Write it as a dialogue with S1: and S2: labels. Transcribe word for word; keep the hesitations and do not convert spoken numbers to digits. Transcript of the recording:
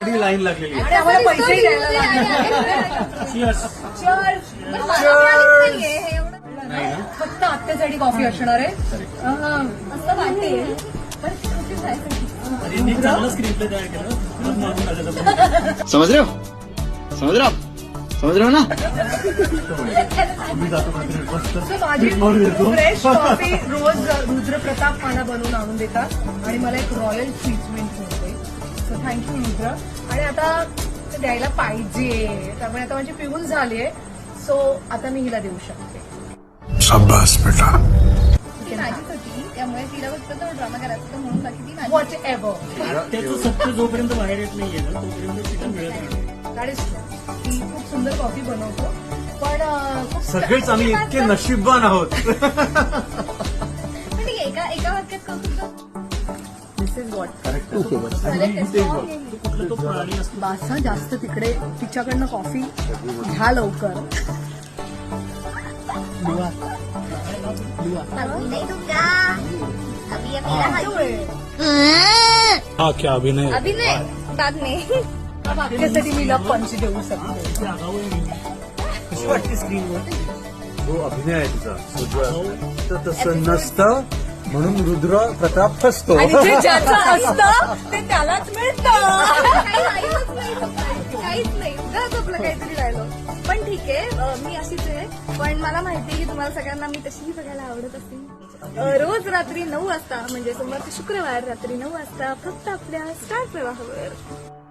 S1: Line लागलेली
S2: आणि आम्हाला पैसेही द्यायला लागले. फक्त आत्यासाठी कॉफी असणार आहे असं वाटते.
S3: समझ रहे हो समझ रहे हो समझ रहे हो ना.
S2: माझी फ्रेश कॉफी रोज रुद्रप्रताप मला बनवून आणून देतात आणि मला एक रॉयल ट्रीटमेंट मिळते. So thank you Rudra. आणि आता ते द्यायला पाहिजे त्यामुळे आता माझी पिऊन झाली आहे. सो आता मी हिला देऊ शकते.
S4: शाबास बेटा.
S5: माझीच होती त्यामुळे तिला फक्त तो ड्रामा करायचा होता म्हणून बाकी ती माझी.
S2: वॉट एव्हर
S1: त्याचं सत्य जोपर्यंत बाहेर येत नाहीये ना तोपर्यंत तिला मिळत नाही.
S2: That is true. ती खूप सुंदर कॉफी बनवतो पण अं, खूप
S1: सगळेच आम्ही इतके नशीबवान आहोत.
S5: पण ठीक आहे, एका एका वाक्यात करू शकतो.
S2: दिस इज वॉट
S1: कुठला तो प्राणी असतो
S2: बासा जास्त तिकडे तिच्याकडनं कॉफी घ्या लवकर.
S5: अभी नहीं दूंगा. अभी ये मेरा हाथ.
S4: हा क्या अभिनय.
S5: अभी नहीं बाद में.
S2: वाक्यासाठी मी ला पंच देऊ शकते.
S1: कशी वाटते स्क्रीनवर.
S6: जो अभिनय आहे तुझा तर तसं नसतं म्हणून रुद्र प्रताप फसतो.
S2: आणि जे ज्याचं असतं ते त्यालाच मिळतं.
S5: काहीच नाही काहीच नाही उगाच आपलं काहीतरी राहिलं. पण ठीक आहे, अं, मी अशीच आहे. पण मला माहिती आहे की तुम्हाला सगळ्यांना मी तशीही बघायला आवडत असते. अं, रोज रात्री नऊ वाजता म्हणजे सोमवार ते शुक्रवार रात्री नऊ वाजता फक्त आपल्या स्टार प्रवाहावर.